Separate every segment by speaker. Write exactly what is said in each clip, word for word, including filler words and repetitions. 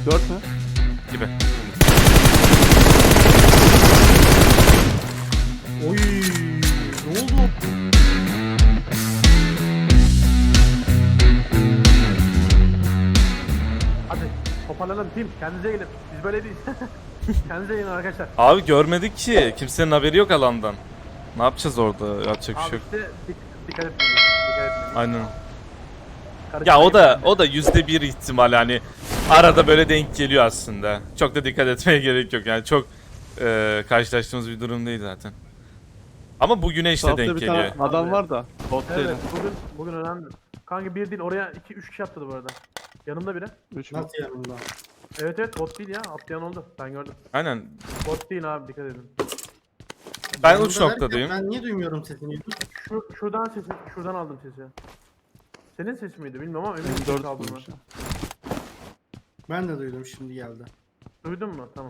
Speaker 1: Dört mü?
Speaker 2: Gibi.
Speaker 3: Oy, ne oldu?
Speaker 4: Hadi toparlanalım team. Kendinize gelin. Biz böyle değiliz. Kendinize gelin arkadaşlar.
Speaker 2: Abi görmedik ki. Kimsenin haberi yok alandan. Ne yapacağız orada? Yapacak bir
Speaker 4: Abi
Speaker 2: şey yok.
Speaker 4: işte dik- dikkat etmeliyiz. Dikkat etmeliyiz.
Speaker 2: Aynen.
Speaker 4: Karışık
Speaker 2: Ya o da
Speaker 4: değil.
Speaker 2: o da yüzde bir ihtimal hani arada böyle denk geliyor aslında. Çok da dikkat etmeye gerek yok yani çok e, karşılaştığımız bir durum değil zaten. Ama bu güneşle
Speaker 1: Tarafta
Speaker 2: denk
Speaker 1: bir
Speaker 2: geliyor.
Speaker 1: tane adam var da. Bot değil.
Speaker 4: Evet bugün bugün önemli. Kanka bir değil oraya iki üç kişi atladı bu arada. Yanımda biri.
Speaker 1: Üç mü?
Speaker 3: Nasıl yanımda?
Speaker 4: Evet evet bot değil ya. Atlayan oldu. Ben gördüm.
Speaker 2: Aynen.
Speaker 4: Bot değil abi dikkat edin.
Speaker 2: Ben
Speaker 3: Yanımda
Speaker 2: uç
Speaker 3: derken
Speaker 2: noktadayım.
Speaker 3: Ben niye duymuyorum sesini?
Speaker 4: Şu şuradan sesi şuradan aldım sesi. Senin ses miydi bilmiyorum ama emin
Speaker 1: Benim
Speaker 4: misin
Speaker 1: dört
Speaker 4: aldığını?
Speaker 1: bulmuş ya.
Speaker 3: Ben de duydum, şimdi geldi.
Speaker 4: Duydun mu? Tamam.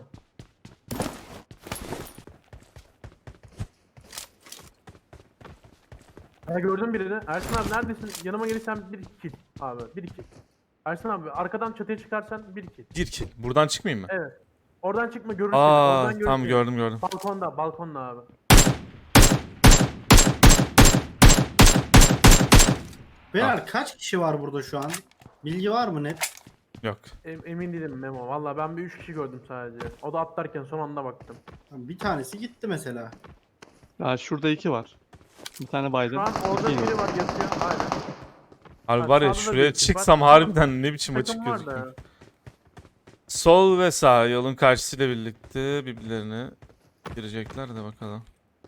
Speaker 4: Ya gördüm birini. Ersin abi neredesin? Yanıma gelirsen bir kill abi. Bir kill. Ersin abi arkadan çatıya çıkarsan bir kill.
Speaker 2: Bir ki. Buradan çıkmayayım mı?
Speaker 4: Evet. Oradan çıkma görürsün.
Speaker 2: Aa
Speaker 4: Oradan görürsün.
Speaker 2: tamam gördüm gördüm.
Speaker 4: Balkonda, balkonda abi.
Speaker 3: Beyler kaç kişi var burada şu an? Bilgi var mı net?
Speaker 2: Yok.
Speaker 4: Em- emin değilim Memo. Valla ben bir üç kişi gördüm sadece. O da atlarken son anda baktım.
Speaker 3: Bir tanesi gitti mesela.
Speaker 1: Ya şurada iki var. Bir tane
Speaker 4: Şu
Speaker 1: baydım.
Speaker 4: an orada
Speaker 1: İki
Speaker 4: biri var yatıyor. Aynen.
Speaker 2: Abi
Speaker 4: Bak,
Speaker 2: var ya
Speaker 4: sağda da
Speaker 2: şuraya
Speaker 4: bir ekip var.
Speaker 2: çıksam harbiden ne biçim açık
Speaker 4: Takım var da.
Speaker 2: gözüküyor. Sol ve sağ yolun karşısıyla birlikte birbirlerine girecekler de bakalım.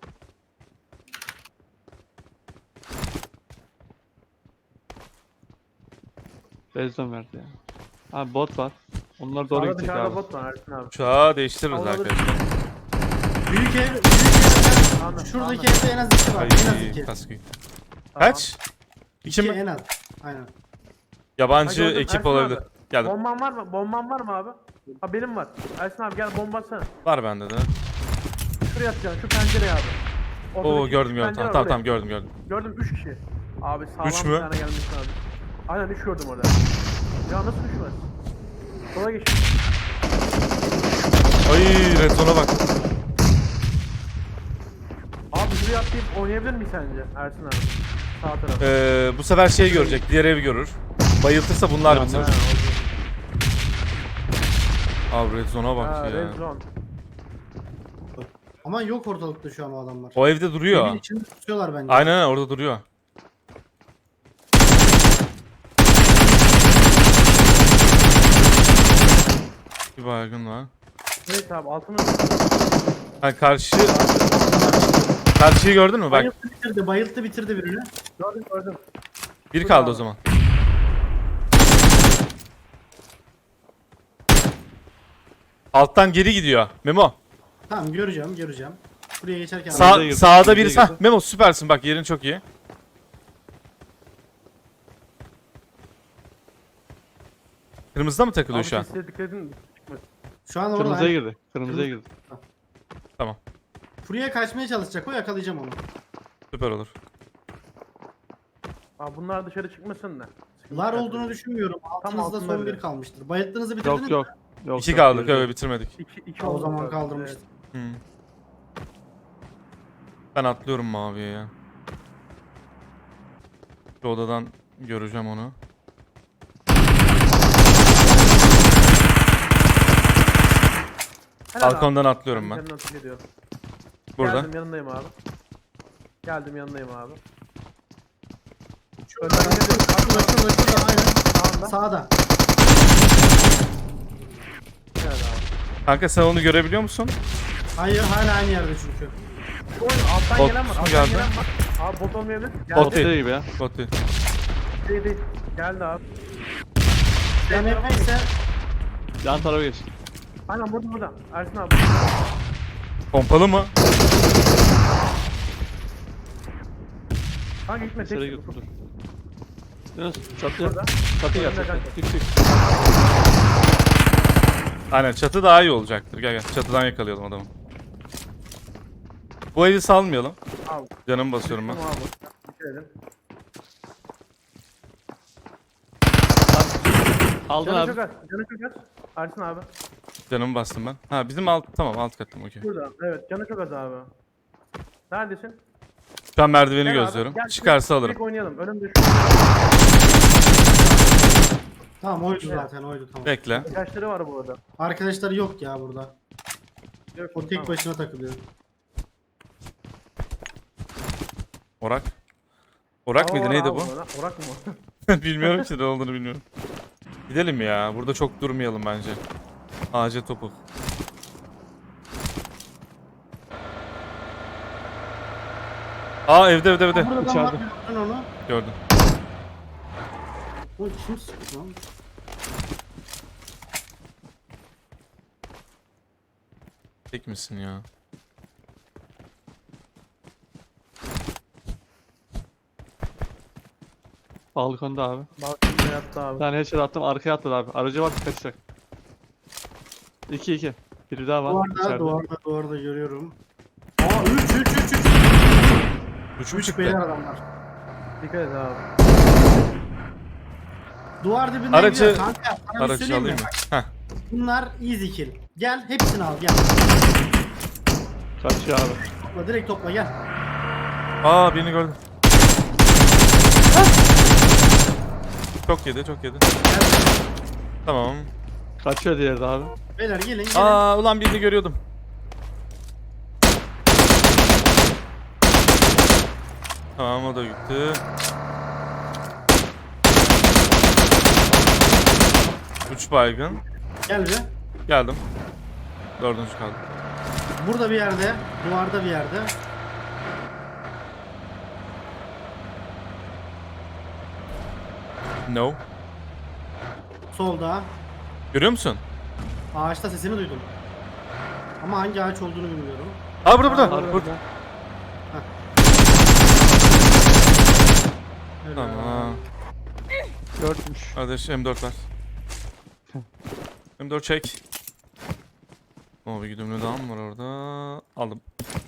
Speaker 1: Bezden verdi ya. Abi bot var. Onlar doğru
Speaker 4: Sağda
Speaker 1: gidecek
Speaker 4: dışarıda
Speaker 1: abi.
Speaker 4: bot var Ersin abi.
Speaker 2: Uçağı değiştiririz
Speaker 4: Alabilir.
Speaker 2: arkadaşlar.
Speaker 3: Büyük ev, büyük evde,
Speaker 4: Anladım,
Speaker 3: şuradaki
Speaker 4: anladım.
Speaker 3: evde en az iki var. En az
Speaker 2: Ay
Speaker 3: iki.
Speaker 2: kaskı.
Speaker 4: Tamam.
Speaker 2: Kaç? İki
Speaker 3: İki
Speaker 2: mi?
Speaker 3: en az. Aynen.
Speaker 2: Yabancı
Speaker 4: Ha, gördüm.
Speaker 2: ekip
Speaker 4: Ersin
Speaker 2: olabilir.
Speaker 4: abi.
Speaker 2: Geldim.
Speaker 4: Bomban var mı? Bomban var mı abi? Ha benim var. Ersin abi gel bomba atsana.
Speaker 2: Var bende de.
Speaker 4: Şuraya atacaksın şu pencereye abi.
Speaker 2: Oo
Speaker 4: Ortadaki
Speaker 2: gördüm
Speaker 4: şu
Speaker 2: gördüm.
Speaker 4: pencere
Speaker 2: Tamam
Speaker 4: var,
Speaker 2: tamam
Speaker 4: oraya.
Speaker 2: tamam gördüm gördüm.
Speaker 4: Gördüm üç kişi. Abi sağlam
Speaker 2: Üç
Speaker 4: bir
Speaker 2: mü?
Speaker 4: tane gelmiş abi. Aynen üç gördüm orada. Ya nasıl düşmez? Sola geç.
Speaker 2: Ay retona bak.
Speaker 4: Abi şuraya atlayıp oynayabilir miyiz sence Ersin abi? Sağ taraf.
Speaker 2: Ee, bu sefer şey görecek. Diğer evi görür. Bayıltırsa bunlar
Speaker 1: Ya,
Speaker 2: bitirir.
Speaker 4: Ha,
Speaker 2: Abi red zone'a
Speaker 4: ha,
Speaker 2: bak ya.
Speaker 4: red zone.
Speaker 3: Ama yok ortalıkta şu an o adamlar.
Speaker 2: O evde duruyor.
Speaker 3: Evin içinde tutuyorlar bence.
Speaker 2: Aynen aynen, orada duruyor. Bir baygın var.
Speaker 4: Evet abi altımız.
Speaker 2: Ha karşı... Karşıyı gördün mü? Bak
Speaker 3: Bayılttı bitirdi, bayılttı bitirdi birini.
Speaker 4: Gördüm gördüm.
Speaker 2: bir kaldı o zaman. Alttan geri gidiyor. Memo.
Speaker 3: Tamam, göreceğim göreceğim. Buraya geçerken
Speaker 2: Sağ,
Speaker 1: girdi,
Speaker 2: sağda
Speaker 1: kırmızıya
Speaker 2: birisi. Hah,
Speaker 1: girdi.
Speaker 2: Memo süpersin bak, yerin çok iyi. Kırmızıda mı takılıyor
Speaker 4: Abi
Speaker 2: şu an?
Speaker 4: sesle dikkat edin. Çıkmasın.
Speaker 3: şu an orada.
Speaker 1: Kırmızıya girdi. Kırmızıya girdi.
Speaker 2: Tamam.
Speaker 3: Buraya kaçmaya çalışacak, o yakalayacağım onu.
Speaker 2: Süper olur.
Speaker 4: Abi bunlar dışarı çıkmasın da. Sıkıntı
Speaker 3: Lar
Speaker 4: yok.
Speaker 3: olduğunu düşünmüyorum. Altınızda
Speaker 4: altında
Speaker 3: son
Speaker 4: bile.
Speaker 3: bir kalmıştır. Bayılttığınızı bitirdiniz
Speaker 1: Yok
Speaker 3: mi?
Speaker 1: yok. Yok,
Speaker 2: İki
Speaker 1: yok,
Speaker 2: kaldık,
Speaker 1: girdi.
Speaker 2: öyle bitirmedik.
Speaker 4: İki, iki
Speaker 3: Ha, o
Speaker 4: oldu
Speaker 3: zaman
Speaker 4: zaten.
Speaker 3: kaldırmıştır.
Speaker 2: Hmm. Ben atlıyorum maviye ya. Şu odadan göreceğim onu.
Speaker 4: Helal abi.
Speaker 2: Balkondan atlıyorum ben.
Speaker 4: Kendini atıp ediyorum.
Speaker 2: Burada.
Speaker 4: Geldim yanındayım abi. Geldim yanındayım abi. Önden gidelim.
Speaker 3: Şurada şurada şurada aynen.
Speaker 4: Sağında.
Speaker 3: Sağda.
Speaker 4: Evet abi.
Speaker 2: Kanka sen onu görebiliyor musun?
Speaker 3: Hayır, hala aynı yerde çünkü.
Speaker 4: Şu oyun alttan
Speaker 2: Bot
Speaker 4: gelen var.
Speaker 2: mu
Speaker 4: Alttan
Speaker 2: geldi?
Speaker 4: gelen var. Abi bot olmayabilir. Geldi.
Speaker 2: Bot
Speaker 1: Bot
Speaker 2: değil.
Speaker 1: değil gibi ya.
Speaker 2: Bot değil.
Speaker 4: Değil değil. Geldi abi.
Speaker 3: M F ise
Speaker 1: Yan tarafa geç.
Speaker 4: Aynen burada burada. Ersin abi.
Speaker 2: Pompalı mı?
Speaker 4: Kanka gitme tek.
Speaker 1: İçeri gir. Dur. Yunus çatı
Speaker 4: Burada.
Speaker 1: yap. Çatı gel.
Speaker 4: Önünde
Speaker 1: Çatı.
Speaker 4: kanka.
Speaker 1: Çık çık.
Speaker 2: Aynen, çatı daha iyi olacaktır. Gel gel, çatıdan yakalayalım adamı. Bu evi salmayalım.
Speaker 4: Abi.
Speaker 2: Canımı basıyorum ben.
Speaker 4: Tamam abi. Dikkat edin.
Speaker 1: Aldın
Speaker 4: Canı
Speaker 1: abi.
Speaker 4: çok az. Canı çok az. Ersin abi.
Speaker 2: Canımı bastım ben. Ha bizim alt tamam alt kattım okey.
Speaker 4: Burada. Evet canı çok az abi. Neredesin?
Speaker 2: Şu an merdiveni
Speaker 4: Gel abi,
Speaker 2: gözlüyorum.
Speaker 4: gel,
Speaker 2: Çıkarsa
Speaker 4: direkt-
Speaker 2: alırım.
Speaker 4: direkt oynayalım. Önümde şu.
Speaker 3: Tamam oydu
Speaker 4: Evet.
Speaker 3: zaten oydu tamam.
Speaker 2: Bekle.
Speaker 4: Arkadaşları var bu arada.
Speaker 3: Arkadaşları yok ya burada.
Speaker 4: Yok,
Speaker 3: O tek
Speaker 4: tamam.
Speaker 3: başına takılıyor.
Speaker 2: Orak. Orak
Speaker 4: Hava
Speaker 2: mıydı
Speaker 4: var
Speaker 2: neydi
Speaker 4: abi
Speaker 2: bu?
Speaker 4: burada. Orak mı?
Speaker 2: Bilmiyorum ki ne olduğunu bilmiyorum. Gidelim ya. Burada çok durmayalım bence. Ağaca topuk. Aa evde evde evde.
Speaker 3: Burada adam
Speaker 1: İçeride.
Speaker 3: var gördün onu.
Speaker 2: Gördüm.
Speaker 3: O kim sıktı lan?
Speaker 2: Tek misin ya?
Speaker 1: Balkonda abi.
Speaker 4: Balkonda yattı
Speaker 1: Bir
Speaker 4: abi.
Speaker 1: tane headshot attım arkaya atladı abi. Aracı var kaçacak. iki iki. Biri daha var
Speaker 3: Duvarda
Speaker 1: içeride.
Speaker 3: duvarda duvarda görüyorum. Aa üç üç üç üç.
Speaker 2: Üç mü
Speaker 3: üç
Speaker 2: çıktı?
Speaker 3: beyler adamlar.
Speaker 4: Dikkat et abi.
Speaker 3: Duvar dibinde
Speaker 2: Aracı-
Speaker 3: gidiyor kanka. Sana bir
Speaker 2: Aracı
Speaker 3: söyleyeyim mi?
Speaker 2: alayım mı?
Speaker 3: Bak,
Speaker 2: Heh.
Speaker 3: bunlar easy kill. Gel hepsini al gel.
Speaker 1: Kaçıyor abi.
Speaker 3: Topla direkt topla gel.
Speaker 2: Aa birini gördüm. Çok yedi çok yedi.
Speaker 3: Gel.
Speaker 2: Tamam.
Speaker 1: Kaçıyor diğeri de abi.
Speaker 3: Beyler gelin gelin.
Speaker 2: Aa ulan birini görüyordum. Tamam o da gitti. Üç baygın.
Speaker 3: Gel bir.
Speaker 2: Geldim. Dördüncü kaldı.
Speaker 3: Burada bir yerde. Duvarda bir yerde.
Speaker 2: No.
Speaker 3: Solda.
Speaker 2: Görüyor musun?
Speaker 3: Ağaçta sesini duydum. Ama hangi ağaç olduğunu bilmiyorum.
Speaker 2: Aa burada burada.
Speaker 1: Abi,
Speaker 2: burada.
Speaker 3: Öyle.
Speaker 2: Tamam.
Speaker 1: Dörtmüş.
Speaker 2: Kardeş M dört ver. M dört çek. O bir güdümlü daha mı var orada? Aldım.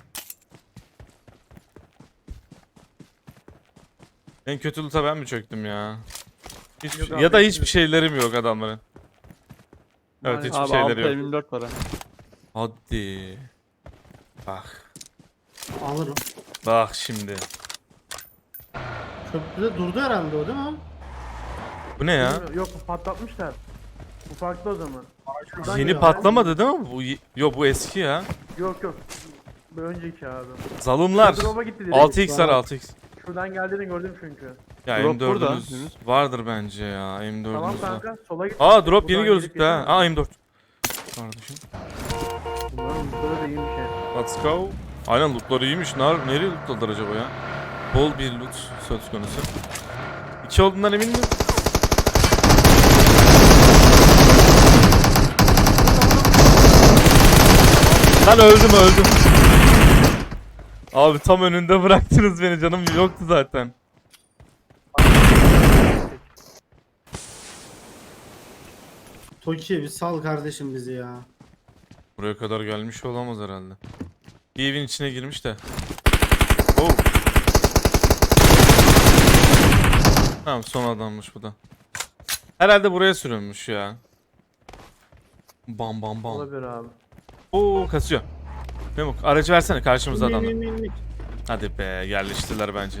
Speaker 2: En kötü loot'a ben mi çöktüm ya? Hiçbir
Speaker 4: Yok
Speaker 2: şey-
Speaker 4: abi,
Speaker 2: ya da
Speaker 4: hepsi-
Speaker 2: hiçbir şeylerim yok adamların. Evet
Speaker 4: Maalesef.
Speaker 2: hiçbir
Speaker 1: Abi
Speaker 2: şeyleri
Speaker 1: altı
Speaker 2: yok.
Speaker 1: M yirmi dört var ha.
Speaker 2: Hadi. Bak.
Speaker 3: Alırım.
Speaker 2: Bak şimdi.
Speaker 3: Köprüde durdu herhalde o değil mi?
Speaker 2: Bu ne ya?
Speaker 4: Yok bu patlatmışlar. Bu farklı o zaman. Şuradan
Speaker 2: Yeni
Speaker 4: geliyor
Speaker 2: patlamadı değil mi? Bu y- Yo bu eski ya.
Speaker 4: abi. Yok yok. Bir önceki abi.
Speaker 2: Zalımlar.
Speaker 4: Drop'a gitti direkt.
Speaker 2: altı x var altı x.
Speaker 4: Şuradan geldiğini gördüm çünkü.
Speaker 2: Ya
Speaker 1: Drop burada,
Speaker 2: M dördünüz
Speaker 1: Yunus.
Speaker 2: vardır bence ya. M dördünüz
Speaker 4: Tamam
Speaker 2: var.
Speaker 4: kanka sola git.
Speaker 2: Aa drop
Speaker 4: Buradan
Speaker 2: yeni
Speaker 4: gelip
Speaker 2: gözüktü ha.
Speaker 4: geçemem.
Speaker 2: Aa M dört. Kardeşim.
Speaker 4: Bunların burada da iyiymiş ya.
Speaker 2: Let's go. Aynen lootları iyiymiş. Ner nereye lootladılar acaba ya? Bol bir loot söz konusu. İki olduğundan emin miyim? Lan öldüm öldüm. Abi tam önünde bıraktınız beni, canım yoktu zaten.
Speaker 3: Toki bir sal kardeşim bizi ya.
Speaker 2: Buraya kadar gelmiş olamaz herhalde. Bir evin içine girmiş de. Oh. Tamam son adammış bu da. Herhalde buraya sürünmüş ya. Bam bam bam.
Speaker 4: Olabilir abi.
Speaker 2: Oo kasıyor. Memuk aracı versene, karşımızda
Speaker 3: İn, in,
Speaker 2: adamlar.
Speaker 3: in, in, in.
Speaker 2: Hadi be, yerleştiler bence.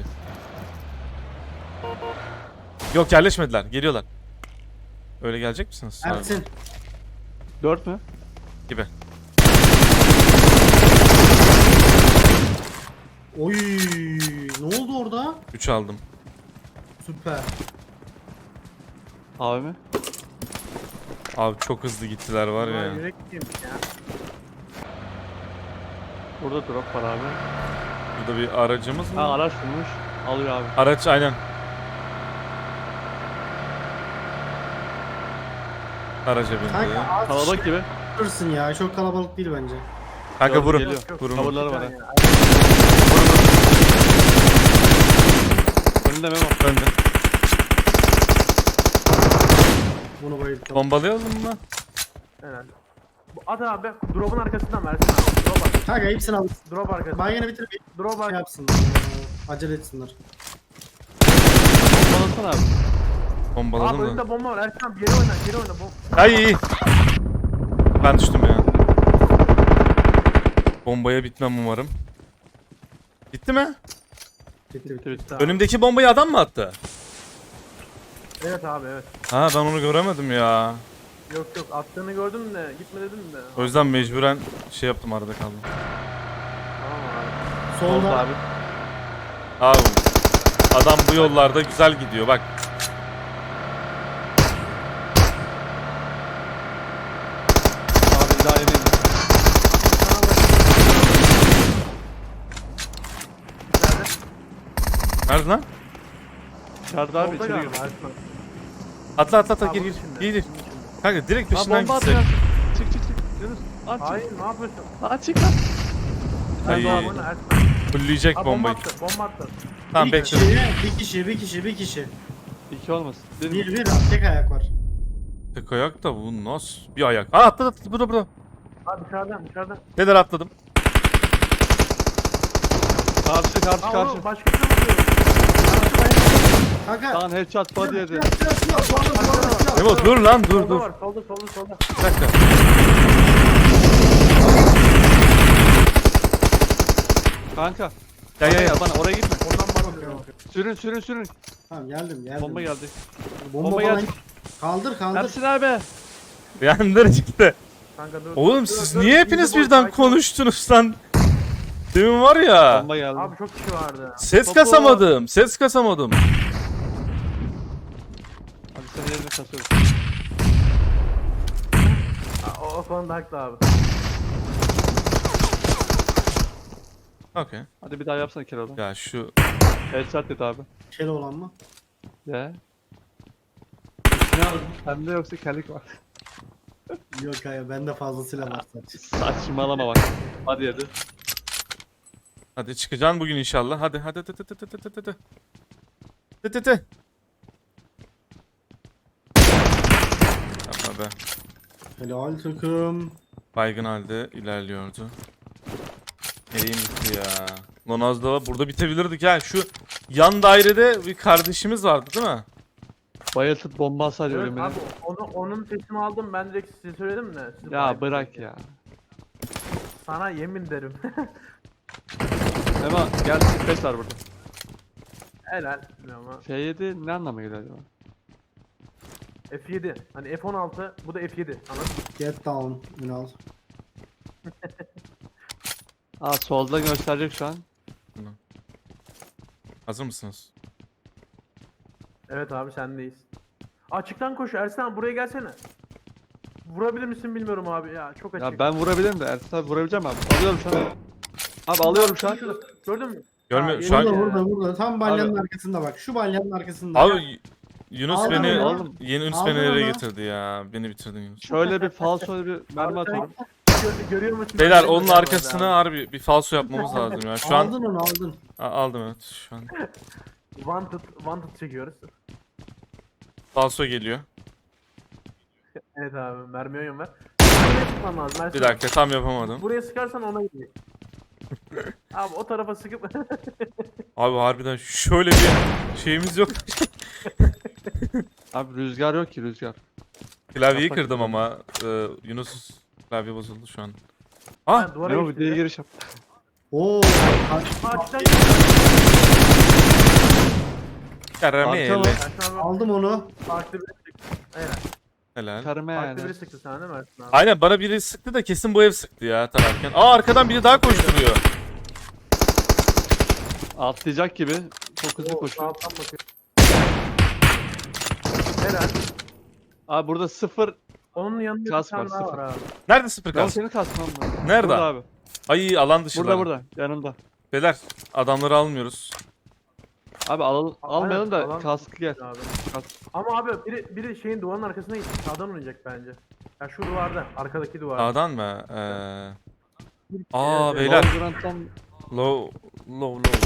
Speaker 2: Yok yerleşmediler, geliyorlar. Öyle gelecek misiniz?
Speaker 3: Ersin.
Speaker 1: Dört mü?
Speaker 2: Gibi.
Speaker 3: Oy, ne oldu orada?
Speaker 2: üç aldım.
Speaker 3: Süper.
Speaker 1: Abi mi?
Speaker 2: Abi çok hızlı gittiler var
Speaker 4: Bunlar
Speaker 2: ya.
Speaker 4: yürek gibiymiş ya.
Speaker 1: Burada drop var abi.
Speaker 2: Burada bir aracımız mı?
Speaker 1: Ha araç bulmuş. Alıyor abi.
Speaker 2: Araç aynen. Araca bindi.
Speaker 3: Kanka az
Speaker 1: Kalabalık gibi.
Speaker 3: Kalabalıksın ya. Çok kalabalık değil bence.
Speaker 2: Kanka
Speaker 1: Gördüm,
Speaker 2: vurun.
Speaker 1: geliyor.
Speaker 2: Vurun.
Speaker 1: Coverları var ha.
Speaker 4: Yani,
Speaker 1: Önünde Memo.
Speaker 2: Önde.
Speaker 3: Bunu bayıldım.
Speaker 2: Bombalayalım mı?
Speaker 4: Herhalde. Bu at abi. Drop'un arkasından versin abi. Drop arkası.
Speaker 3: Kanka hepsini al.
Speaker 4: Drop arkası.
Speaker 3: Baygını bitir bir
Speaker 4: Drop
Speaker 3: şey
Speaker 4: arkası.
Speaker 3: yapsınlar. Acele etsinler.
Speaker 1: Bombalasana abi.
Speaker 4: Abi
Speaker 2: Bombaladım da.
Speaker 4: önünde bomba var. Ersin abi geri oyna, geri oyna. Bom
Speaker 2: Ay. Ben düştüm ya. Bombaya bitmem umarım. Bitti mi?
Speaker 3: Bitti bitti.
Speaker 1: Bitti bitti.
Speaker 2: Önümdeki bombayı adam mı attı?
Speaker 4: Evet abi evet.
Speaker 2: Ha ben onu göremedim ya.
Speaker 4: Yok yok attığını gördüm de gitme dedim de.
Speaker 2: O yüzden mecburen şey yaptım, arada kaldım.
Speaker 4: Tamam abi.
Speaker 1: Solda
Speaker 3: Solda.
Speaker 1: abi.
Speaker 2: Abi adam bu yollarda güzel gidiyor bak.
Speaker 1: Abi daha yemeyin.
Speaker 4: İçeride.
Speaker 2: Nerede lan?
Speaker 1: İçeride abi
Speaker 4: Solda
Speaker 1: içeri
Speaker 4: galiba
Speaker 1: gir.
Speaker 4: Ersin abi.
Speaker 2: Atla atla atla
Speaker 4: Ha,
Speaker 2: gir
Speaker 4: bunun
Speaker 2: gir.
Speaker 4: içinde,
Speaker 2: Gir gir.
Speaker 4: bunun içinde.
Speaker 2: Kanka direkt
Speaker 1: Aa
Speaker 2: peşinden
Speaker 1: bomba
Speaker 2: gitsek.
Speaker 1: atıyor. Çık çık çık. Yunus. At çık.
Speaker 4: Hayır ne yapıyorsun?
Speaker 1: At çık lan.
Speaker 2: Ay.
Speaker 4: Abi oyna Ersin abi.
Speaker 2: Fulleyecek
Speaker 4: Aa, bomba
Speaker 2: bombayı.
Speaker 4: attı, bomba attı.
Speaker 2: Tamam
Speaker 3: Bir
Speaker 2: bekle.
Speaker 3: kişi, bir kişi, bir kişi, bir kişi.
Speaker 1: İki olmasın. Bir,
Speaker 3: Bir bir tek ayak var.
Speaker 2: Tek ayak da bu nasıl bir ayak? Aa atladı atladı burada burada.
Speaker 4: Abi dışarıdan dışarıdan.
Speaker 2: Neler atladım.
Speaker 1: Karşı karşı
Speaker 4: Aa
Speaker 1: karşı.
Speaker 4: oğlum başkası vuruyor.
Speaker 3: Kanka.
Speaker 1: Lan headshot body yedi.
Speaker 3: Silah, silah, silah, silah, silah, silah.
Speaker 2: Memo dur lan dur
Speaker 4: Solda
Speaker 2: dur.
Speaker 4: var solda solda solda.
Speaker 2: Bir dakika.
Speaker 1: Kanka.
Speaker 2: Ya ya ya.
Speaker 1: Bana oraya gitme.
Speaker 4: Ondan bahsediyorum.
Speaker 1: Sürün sürün sürün.
Speaker 3: Tamam geldim geldim.
Speaker 1: Bomba geldi.
Speaker 3: Bomba,
Speaker 1: Bomba
Speaker 3: bana-
Speaker 1: geldi.
Speaker 3: Kaldır kaldır.
Speaker 1: Ersin abi.
Speaker 2: Yandır çıktı.
Speaker 4: Kanka dur.
Speaker 2: Oğlum
Speaker 4: dur,
Speaker 2: siz
Speaker 4: dur,
Speaker 2: niye
Speaker 4: dur,
Speaker 2: hepiniz
Speaker 4: dur,
Speaker 2: birden
Speaker 4: sakin ol.
Speaker 2: konuştunuz lan? Demin var ya.
Speaker 1: Bomba geldi.
Speaker 4: Abi çok kişi vardı.
Speaker 2: Ses
Speaker 1: Topu-
Speaker 2: kasamadım. Ses kasamadım.
Speaker 1: Hadi sen yerine kasıyoruz.
Speaker 4: Ha, o, o konuda haklı abi.
Speaker 2: Okey.
Speaker 1: Hadi bir daha yapsana Keloğlan.
Speaker 2: Ya şu
Speaker 1: Headshot dedi abi.
Speaker 3: Kel olan mı?
Speaker 1: Ya. Ne aldın? Sende yoksa kellik var.
Speaker 3: Yok hayır bende fazla silah var sadece.
Speaker 1: Saçmalama bak. Hadi hadi.
Speaker 2: hadi çıkacaksın bugün inşallah. Hadi hadi hadi hadi hadi hadi hadi. Hadi hadi. Yapma be.
Speaker 3: Helal takım.
Speaker 2: Baygın halde ilerliyordu. Neyim gitti ya. Lan az daha burada bitebilirdik ha. Şu yan dairede bir kardeşimiz vardı değil mi?
Speaker 1: Bayıltıp bomba hasar
Speaker 4: Evet,
Speaker 1: ölümüne.
Speaker 4: abi onu, onun sesini aldım ben direkt size söyledim de. siz
Speaker 1: Ya
Speaker 4: bayılın
Speaker 1: bırak
Speaker 4: diye.
Speaker 1: ya.
Speaker 4: Sana yemin derim.
Speaker 1: Hemen gel beş var burada.
Speaker 4: Helal. Bilmiyorum ama.
Speaker 1: F yedi ne anlama geliyor acaba?
Speaker 4: F yedi. Hani F on altı bu da F yedi. Anladın mı?
Speaker 3: Get down Ünal.
Speaker 1: Aa solda gösterecek şu an.
Speaker 2: Hazır mısınız?
Speaker 4: Evet abi sendeyiz. Açıktan koş Ersin abi buraya gelsene. Vurabilir misin bilmiyorum abi ya çok açık.
Speaker 1: Ya ben vurabilirim de Ersin abi vurabileceğim abi. Alıyorum şu an. Abi alıyorum şu an.
Speaker 4: Şurada, Gördün mü?
Speaker 2: Görmüyor-
Speaker 4: Ha,
Speaker 2: şu an-
Speaker 3: Burada
Speaker 4: yeni-
Speaker 3: burada burada. Tam balyanın arkasında bak. Şu balyanın arkasında.
Speaker 2: Abi Yunus
Speaker 3: Aldın
Speaker 2: beni
Speaker 3: onu.
Speaker 1: Aldım.
Speaker 2: yeni Yunus
Speaker 3: Aldın
Speaker 2: beni nereye
Speaker 3: onu.
Speaker 2: getirdi ya? Beni bitirdin Yunus.
Speaker 1: Şöyle bir falso bir mermi
Speaker 4: Abi sen-
Speaker 1: atıyorum.
Speaker 4: Gör- Görüyor musun?
Speaker 2: Beyler
Speaker 4: Görüyor
Speaker 2: onun
Speaker 4: musun
Speaker 2: arkasına
Speaker 4: abi?
Speaker 2: harbi bir falso yapmamız lazım ya. Şu an
Speaker 3: Aldın onu aldın.
Speaker 2: A- aldım evet şu an.
Speaker 4: Wanted, wanted çekiyoruz.
Speaker 2: Falso geliyor.
Speaker 4: Evet abi mermi oyun ver. Buraya sıkman lazım. Ersin
Speaker 2: Bir
Speaker 4: abi.
Speaker 2: dakika tam yapamadım.
Speaker 4: Buraya sıkarsan ona gidiyor. Abi o tarafa sıkıp
Speaker 2: Abi harbiden şöyle bir şeyimiz yok.
Speaker 1: Abi rüzgar yok ki rüzgar.
Speaker 2: Klavyeyi
Speaker 1: Yaprak
Speaker 2: kırdım
Speaker 1: gibi.
Speaker 2: ama e, Yunus klavye bozuldu şu an. Ah!
Speaker 4: Ha, duvara
Speaker 1: Memo
Speaker 4: geçti
Speaker 1: bir diye
Speaker 4: ya.
Speaker 1: giriş yap.
Speaker 3: Oo.
Speaker 4: Açtan
Speaker 2: Karamele.
Speaker 1: Arka
Speaker 4: Ersin abi
Speaker 3: Aldım onu.
Speaker 4: farklı biri sıktı. Aynen.
Speaker 2: Helal.
Speaker 1: Karıma
Speaker 4: Farklı
Speaker 1: yani.
Speaker 4: biri sıktı sana değil mi Ersin abi?
Speaker 2: Aynen bana biri sıktı da kesin bu ev sıktı ya tararken. Aa arkadan biri daha koşturuyor.
Speaker 1: Atlayacak gibi. Çok hızlı
Speaker 4: Oo,
Speaker 1: koşuyor.
Speaker 4: Alttan bakıyor. Helal.
Speaker 1: Abi burada sıfır.
Speaker 4: Onun yanında bir
Speaker 1: Kask
Speaker 4: tane
Speaker 1: var,
Speaker 4: daha
Speaker 1: sıfır.
Speaker 4: var abi.
Speaker 2: Nerede sıfır
Speaker 1: Ben
Speaker 2: kas?
Speaker 1: seni kasmam mı?
Speaker 2: Nerede?
Speaker 1: Burada abi.
Speaker 2: Ay alan dışı.
Speaker 1: Burada burada. Yanımda.
Speaker 2: Beyler adamları almıyoruz.
Speaker 1: Abi al, almayalım da
Speaker 4: alan-
Speaker 1: kaskı gel.
Speaker 4: Abi.
Speaker 1: Kask.
Speaker 4: Ama abi biri, biri şeyin duvarın arkasına gitti. Sağdan oynayacak bence. Ya şu duvarda. Arkadaki duvarda.
Speaker 2: Sağdan mı? Ee... Aa
Speaker 4: Evet,
Speaker 2: beyler.
Speaker 1: Valorant'tan
Speaker 2: Low, low, low.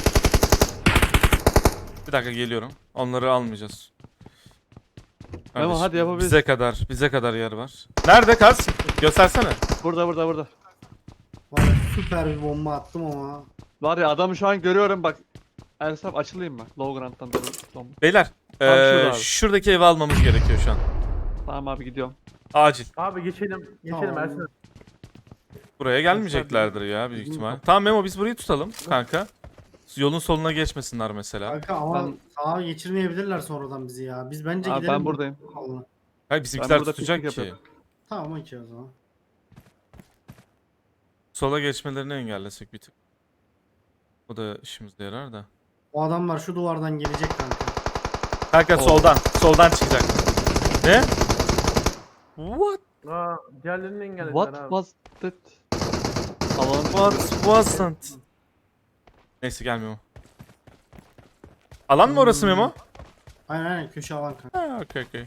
Speaker 2: Bir dakika geliyorum. Onları almayacağız.
Speaker 1: Memo,
Speaker 2: Kardeşim,
Speaker 1: hadi yapabiliriz.
Speaker 2: Bize kadar, bize kadar yer var. Nerede kas? Göstersene.
Speaker 1: burada burada burada.
Speaker 3: Var ya, süper bir bomba attım ama.
Speaker 1: Var ya adamı şu an görüyorum bak. Ersin abi açılayım mı? Low ground'dan doğru. Tamam.
Speaker 2: Beyler
Speaker 1: Tamam,
Speaker 2: eee,
Speaker 1: şurada abi.
Speaker 2: şuradaki evi almamız gerekiyor şu an.
Speaker 1: Tamam abi gidiyorum.
Speaker 2: Acil.
Speaker 4: Abi geçelim. Geçelim
Speaker 3: Tamam.
Speaker 4: Ersin.
Speaker 2: Buraya gelmeyeceklerdir ya büyük
Speaker 3: Bizim
Speaker 2: ihtimal.
Speaker 3: kapı-
Speaker 2: Tamam Memo biz burayı tutalım kanka. Yolun soluna geçmesinler mesela.
Speaker 3: Kanka ama
Speaker 1: Ben-
Speaker 3: sağa geçirmeyebilirler sonradan bizi ya. Biz bence
Speaker 1: Abi
Speaker 3: gidelim.
Speaker 1: ben buradayım.
Speaker 3: Allah'ına.
Speaker 2: Hayır bizimkiler
Speaker 1: burada
Speaker 2: tutacak
Speaker 1: piknik
Speaker 2: ki.
Speaker 1: yapıyorum.
Speaker 3: Tamam okey o zaman.
Speaker 2: Sola geçmelerini engellesek bir tık. O da işimize yarar da.
Speaker 3: O adamlar şu duvardan gelecek kanka.
Speaker 2: Kanka
Speaker 1: Oo.
Speaker 2: soldan. Soldan çıkacak. Ne? What?
Speaker 4: Aa, diğerlerini engellediler
Speaker 1: What
Speaker 4: abi.
Speaker 1: was that? Alanı
Speaker 2: What wasn't? Neyse gelmiyor. Alan mı orası Memo?
Speaker 3: Aynen aynen köşe alan kanka.
Speaker 2: Ha okey okey.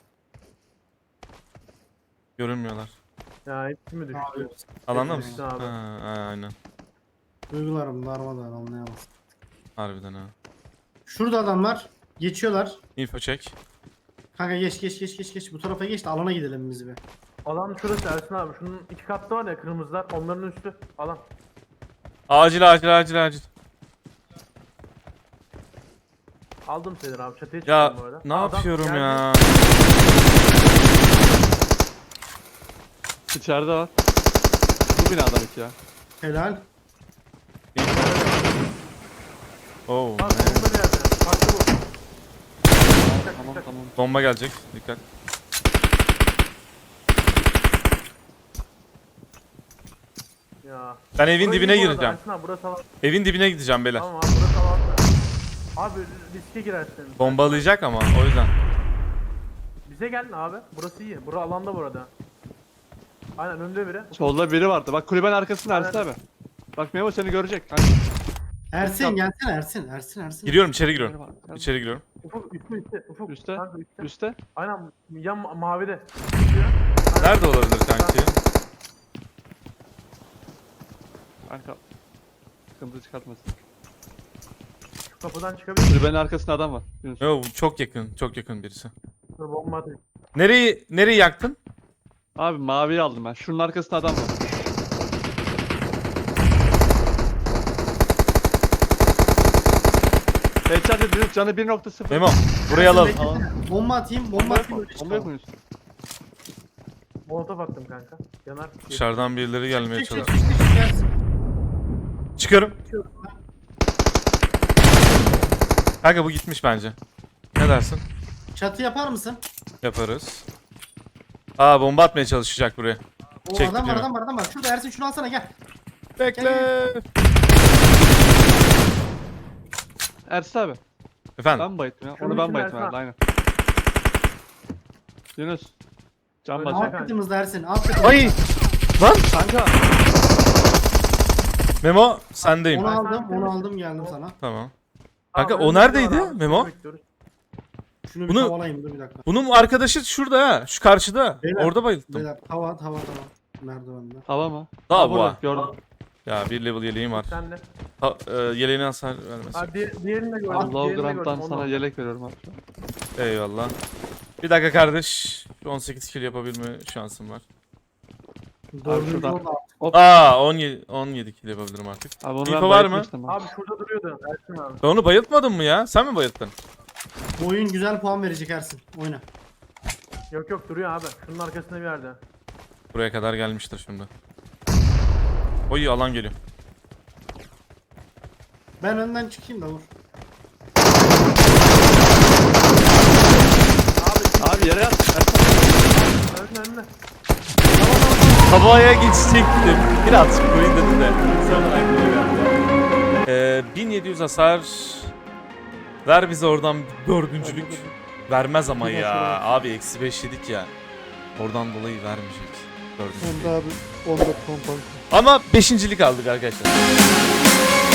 Speaker 2: Görünmüyorlar.
Speaker 4: Ya hepsi mi düştü?
Speaker 3: Abi,
Speaker 2: Alanda
Speaker 3: Hepsi
Speaker 2: mısın?
Speaker 4: abi.
Speaker 2: Ha, ha, aynen.
Speaker 3: duygularım darmadağın anlayamaz.
Speaker 2: Harbiden ha.
Speaker 3: Şurada adamlar geçiyorlar.
Speaker 2: Info check.
Speaker 3: Kanka geç geç geç geç geç bu tarafa geç de alana gidelim biz bir.
Speaker 4: Alan şurası Ersin abi. Şunun iki katlı var ya kırmızılar. Onların üstü. Alan.
Speaker 2: Acil acil acil acil.
Speaker 4: Aldım seni abi. Çatıya
Speaker 2: Ya
Speaker 4: çıktım bu arada.
Speaker 2: ne
Speaker 4: Adam
Speaker 2: yapıyorum
Speaker 4: geldi.
Speaker 2: ya?
Speaker 1: İçeride var. Bu binadan iki ya.
Speaker 3: Helal.
Speaker 2: Oh.
Speaker 4: Abi bomba nerede? Farklı bu.
Speaker 1: Tamam tamam.
Speaker 2: Bomba gelecek. Dikkat.
Speaker 4: Ya.
Speaker 2: Ben evin
Speaker 4: Burayı
Speaker 2: dibine
Speaker 4: iyi bu arada,
Speaker 2: gireceğim.
Speaker 4: Ersin abi burası alan.
Speaker 2: Evin dibine gideceğim beyler.
Speaker 4: Tamam abi burası alan. Abi riske girersin.
Speaker 2: Bombalayacak ama o yüzden.
Speaker 4: Bize gel abi. Burası iyi. Bura alanda bu arada. Aynen önde biri.
Speaker 1: Solda biri vardı. Bak kulübenin arkasında
Speaker 4: Aynen.
Speaker 1: Ersin abi. Bak Memo seni görecek. Kanka.
Speaker 3: Ersin gelsene Ersin Ersin Ersin.
Speaker 2: Giriyorum içeri
Speaker 1: Biri
Speaker 2: giriyorum.
Speaker 1: var. Gel.
Speaker 2: İçeri giriyorum.
Speaker 4: Ufuk üstte üstte. Ufuk.
Speaker 1: Üste.
Speaker 4: Kanka, üstte.
Speaker 1: Üste.
Speaker 4: Aynen yan ma- mavide.
Speaker 2: Nerede olabilir kanki?
Speaker 1: Kanka. Sıkıntı çıkartmasın.
Speaker 4: Şu kapıdan çıkabilir.
Speaker 1: Kulübenin arkasında adam var. Yunus.
Speaker 2: Yo çok yakın. Çok yakın birisi.
Speaker 4: Dur bomba atayım.
Speaker 2: Nereyi nereyi yaktın?
Speaker 1: Abi maviyi aldım ben. Şunun arkasında adam var. Headshot edilip canı bir nokta sıfır.
Speaker 2: Memo burayı alalım.
Speaker 3: Beklesene. Bomba atayım bomba
Speaker 1: Bomba yok
Speaker 3: atayım.
Speaker 1: mu?
Speaker 3: öyle
Speaker 1: Bomba yok
Speaker 3: çıkalım.
Speaker 1: mu Yunus?
Speaker 4: Molotof attım kanka. Yanar.
Speaker 2: Dışarıdan birileri gelmeye
Speaker 3: Çık çık çık
Speaker 2: çalışıyor.
Speaker 3: çık çık Ersin.
Speaker 2: Çıkıyorum. Kanka bu gitmiş bence. Ne dersin?
Speaker 3: Çatı yapar mısın?
Speaker 2: Yaparız. Aa bomba atmaya çalışacak buraya.
Speaker 3: O
Speaker 2: Çekti
Speaker 3: adam var
Speaker 2: değil mi?
Speaker 3: adam var adam var. Şurada Ersin şunu alsana gel.
Speaker 2: Bekle.
Speaker 1: Ersin abi.
Speaker 2: Efendim.
Speaker 1: Ben mi bayıttım ya?
Speaker 4: Şunun
Speaker 1: Onu ben
Speaker 4: için
Speaker 1: bayıttım
Speaker 4: Ersin
Speaker 1: herhalde aynen. Yunus. Can
Speaker 4: Öyle
Speaker 1: basıyor.
Speaker 3: Alt katımızda Ersin alt katımızda.
Speaker 2: Ay! Lan!
Speaker 1: Kanka.
Speaker 2: Memo sendeyim.
Speaker 3: Onu
Speaker 4: Ben
Speaker 3: aldım
Speaker 4: sana-
Speaker 3: onu aldım geldim sana.
Speaker 2: Tamam. Kanka
Speaker 4: Abi,
Speaker 2: o
Speaker 4: önde
Speaker 2: neredeydi
Speaker 4: biri var abi,
Speaker 2: Memo?
Speaker 4: seni bekliyoruz.
Speaker 3: Şunu bir
Speaker 2: Bunu-
Speaker 3: tavalayayım dur bir dakika.
Speaker 2: Bunun arkadaşı şurada ha. Şu karşıda.
Speaker 3: Beyler,
Speaker 2: Orada bayılttım.
Speaker 3: Beyler tava tava tava. Merdivende.
Speaker 1: Hava mı?
Speaker 2: Daha
Speaker 1: Ha,
Speaker 2: bu
Speaker 1: burada,
Speaker 2: ha.
Speaker 1: Gördüm.
Speaker 2: Ya bir level yeleğim var.
Speaker 4: Sen de.
Speaker 2: Ha, e, yeleğine hasar vermesin.
Speaker 4: Ha, diğer, diğerini de gördüm.
Speaker 1: Low
Speaker 4: diğerini de
Speaker 1: ground'dan
Speaker 4: gördüm, onu
Speaker 1: sana
Speaker 4: aldım.
Speaker 1: yelek veriyorum abi.
Speaker 2: Eyvallah. Bir dakika kardeş. on sekiz kill yapabilme şansım var.
Speaker 3: Dördüncü
Speaker 1: şuradan-
Speaker 3: oldu.
Speaker 2: Aa on yedi, on yedi kill yapabilirim artık.
Speaker 1: Abi onu
Speaker 2: İnfo
Speaker 1: ben
Speaker 2: var mı?
Speaker 1: bayıltmıştım abi.
Speaker 4: Abi şurada duruyordu Ersin abi.
Speaker 2: Ben onu bayıltmadın mı ya? Sen mi bayılttın?
Speaker 3: Bu oyun güzel puan verecek Ersin. Oyna.
Speaker 4: Yok yok duruyor abi. Şunun arkasında bir yerde.
Speaker 2: Buraya kadar gelmiştir şimdi. Oy alan geliyor.
Speaker 3: Ben önden çıkayım da vur.
Speaker 4: Abi
Speaker 1: Abi yere yat.
Speaker 4: önüne önüne.
Speaker 2: Havaya geçecektim. Biraz koyun dedi de. Sonra aklıma geldi. Ee, bin yedi yüz hasar. Ver bize oradan bir dördüncülük. Vermez ama ya. Abi eksi beş yedik ya. Oradan dolayı vermeyecek. Dördüncülük.
Speaker 5: Onda abi on dört pompa.
Speaker 2: Ama beşincilik aldık arkadaşlar.